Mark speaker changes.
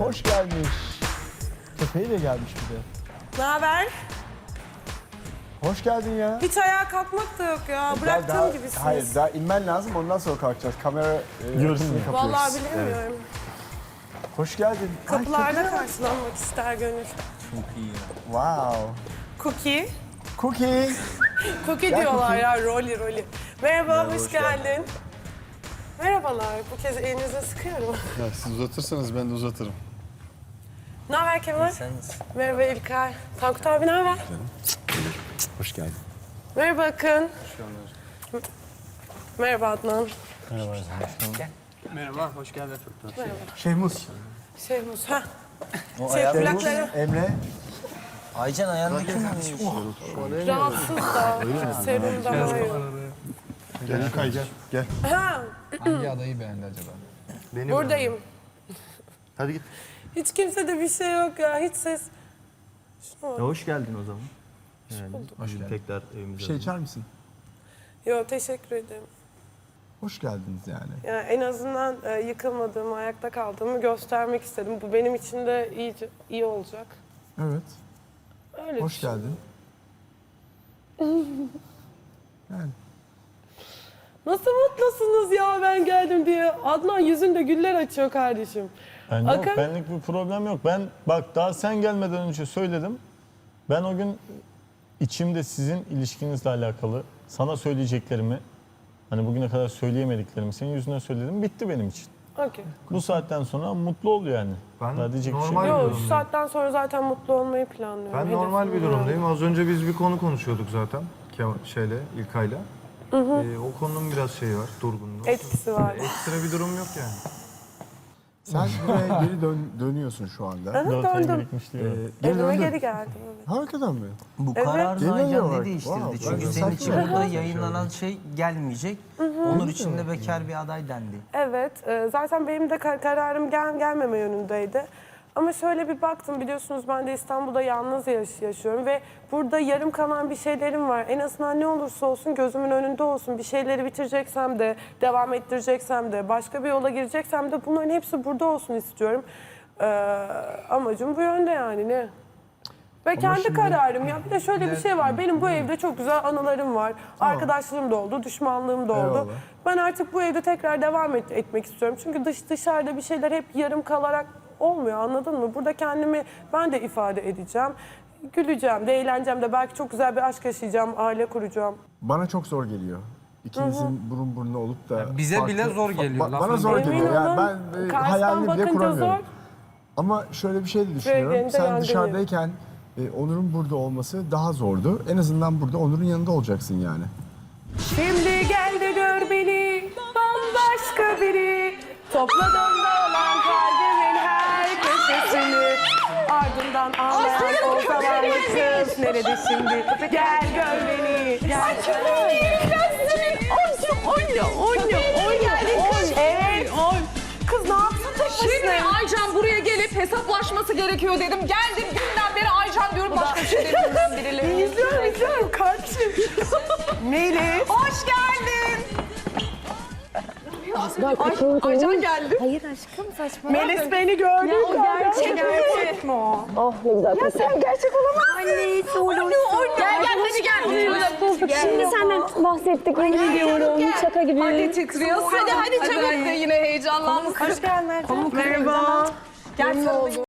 Speaker 1: Hoş gelmiş. Köpeğiyle gelmiş bir de.
Speaker 2: Ne haber?
Speaker 1: Hoş geldin ya.
Speaker 2: Hiç ayağa kalkmak da yok ya. Bıraktığım gibisiniz.
Speaker 1: Hayır, daha inmen lazım, ondan sonra kalkacağız. Kamera görüntüsünü kapıyoruz.
Speaker 2: Vallahi bilemiyorum.
Speaker 1: Hoş geldin.
Speaker 2: Kapılarda karşılanmak ister gönül.
Speaker 1: Wow.
Speaker 2: Cookie.
Speaker 1: Cookie.
Speaker 2: Cookie diyorlar ya, Rolly. Merhaba, hoş geldin. Merhabalar, bu kez elinize sıkıyorum.
Speaker 3: Ya siz uzatırsanız ben de uzatırım.
Speaker 2: Ne haber Kemal? Merhaba İlkay. Tankut abi ne haber?
Speaker 1: Hoş geldin.
Speaker 2: Merhaba Akın. Merhaba Adnan.
Speaker 4: Merhaba, hoş geldin.
Speaker 1: Şehmus.
Speaker 2: Şehmus, ha.
Speaker 4: O
Speaker 2: Plakları
Speaker 1: Emre.
Speaker 4: Aycan ayağında kim
Speaker 2: rahatsız da. Serumda var.
Speaker 3: Gel İlkay gel.
Speaker 2: Ha,
Speaker 5: Hangi adayı beğendi acaba?
Speaker 2: buradayım.
Speaker 3: Hadi git.
Speaker 2: Hiç kimsede bir şey yok ya, hiç ses. Şuna bak.
Speaker 6: Hoş geldin o zaman.
Speaker 1: Hoş geldin.
Speaker 6: Tekrar evimize.
Speaker 1: Bir şey içer misin?
Speaker 2: Yo, teşekkür ederim.
Speaker 1: Hoş geldiniz yani.
Speaker 2: Yani en azından yıkılmadığımı, ayakta kaldığımı göstermek istedim. Bu benim için de iyi olacak.
Speaker 1: Evet.
Speaker 2: Öyle
Speaker 1: Hoş
Speaker 2: düşün.
Speaker 1: geldin. Yani.
Speaker 2: Nasıl mutlusunuz ya ben geldim diye. Adnan yüzünde güller açıyor kardeşim.
Speaker 7: Yok,
Speaker 2: Akın?
Speaker 7: benlik bir problem yok. Ben bak daha sen gelmeden önce söyledim. Ben o gün içimde sizin ilişkinizle alakalı sana söyleyeceklerimi, hani bugüne kadar söyleyemediklerimi senin yüzüne söyledim. Bitti benim için.
Speaker 2: Okey.
Speaker 7: Bu saatten sonra mutlu ol yani.
Speaker 8: Ben
Speaker 7: Daha diyecek bir şey
Speaker 8: normal
Speaker 7: yok.
Speaker 8: bir
Speaker 2: Yo, şu
Speaker 8: durumdayım.
Speaker 2: saatten sonra zaten mutlu olmayı planlıyorum.
Speaker 8: Ben
Speaker 2: Hedefim
Speaker 8: normal bir
Speaker 2: bu.
Speaker 8: durumdayım. Az önce biz bir konu konuşuyorduk zaten. İlkay'la. O konunun biraz şeyi var, durgunluğu.
Speaker 2: Etkisi var.
Speaker 8: Ekstra bir durum yok yani.
Speaker 1: Sen buraya geri dönüyorsun şu anda.
Speaker 2: Aha,
Speaker 7: 4 ay
Speaker 2: döndüm.
Speaker 7: birikmişliği var.
Speaker 1: Geri
Speaker 2: Evime
Speaker 1: döndün.
Speaker 2: geri geldim. Evet.
Speaker 1: Hakikaten mi?
Speaker 4: Bu
Speaker 2: Evet.
Speaker 4: kararını
Speaker 1: Genel
Speaker 4: Aycan
Speaker 1: olarak,
Speaker 4: ne değiştirdi?
Speaker 1: wow,
Speaker 4: Çünkü
Speaker 1: ben
Speaker 4: senin
Speaker 1: de
Speaker 4: için
Speaker 1: saçma
Speaker 4: burada
Speaker 1: bir şey
Speaker 4: yayınlanan şey gelmeyecek. Onur için de bekar bir aday dendi.
Speaker 2: Evet, zaten benim de kararım gelmeme yönündeydi. Ama şöyle bir baktım, biliyorsunuz ben de İstanbul'da yalnız yaşıyorum ve burada yarım kalan bir şeylerim var. En azından ne olursa olsun gözümün önünde olsun. Bir şeyleri bitireceksem de, devam ettireceksem de, başka bir yola gireceksem de bunların hepsi burada olsun istiyorum. Amacım bu yönde yani ne? Ve kendi
Speaker 1: şimdi-
Speaker 2: kararım ya. Bir de şöyle bir şey var. Benim bu evde çok güzel anılarım var. Arkadaşlığım da oldu, düşmanlığım da oldu.
Speaker 1: Eyvallah.
Speaker 2: Ben artık bu evde tekrar devam etmek istiyorum. Çünkü dışarıda bir şeyler hep yarım kalarak olmuyor, anladın mı? Burada kendimi ben de ifade edeceğim. Güleceğim de, eğleneceğim de. Belki çok güzel bir aşk yaşayacağım, aile kuracağım.
Speaker 1: Bana çok zor geliyor. İkinizin burun buruna olup da...
Speaker 5: bize bile zor geliyor,
Speaker 1: Bana
Speaker 5: lafın
Speaker 1: zor
Speaker 5: gelişi.
Speaker 1: geliyor. Yani ben
Speaker 2: Karşıdan
Speaker 1: hayalini bile
Speaker 2: bakınca
Speaker 1: kuramıyorum.
Speaker 2: zor.
Speaker 1: Ama şöyle bir şey de düşünüyorum.
Speaker 2: Bölgenin de
Speaker 1: Sen
Speaker 2: yangını.
Speaker 1: dışarıdayken Onur'un burada olması daha zordu. En azından burada Onur'un yanında olacaksın yani.
Speaker 2: Şimdi gel de gör beni, bambaşka biri. Topladığımda olan kalbimin her köşesini. Ardından ağlayan o zavallı kız nerede şimdi? Gel gör beni. Gel gör beni. Evet. Kız ne yapsın tek
Speaker 9: Şimdi
Speaker 2: başına?
Speaker 9: Aycan buraya gelip hesaplaşması gerekiyor dedim. Geldim günden beri Aycan diyorum başka bir şey demiyorum birileri.
Speaker 2: İzliyorum kardeşim. Melis.
Speaker 9: Hoş geldin. Aycan geldi.
Speaker 10: Hayır aşkım saçma.
Speaker 2: Melis beni gördü.
Speaker 10: Gerçek mi o? Oh ne güzel. Ya sen gerçek olamazsın. Anne soğuk.
Speaker 9: Gel gel hadi gel.
Speaker 10: Şimdi senden bahsettik yemin ediyorum. Şaka gibi.
Speaker 9: Hadi titriyorsun. Hadi çabuk. Yine heyecanlandık.
Speaker 2: Hoş geldin. Merhaba.
Speaker 9: Gel sarılayım.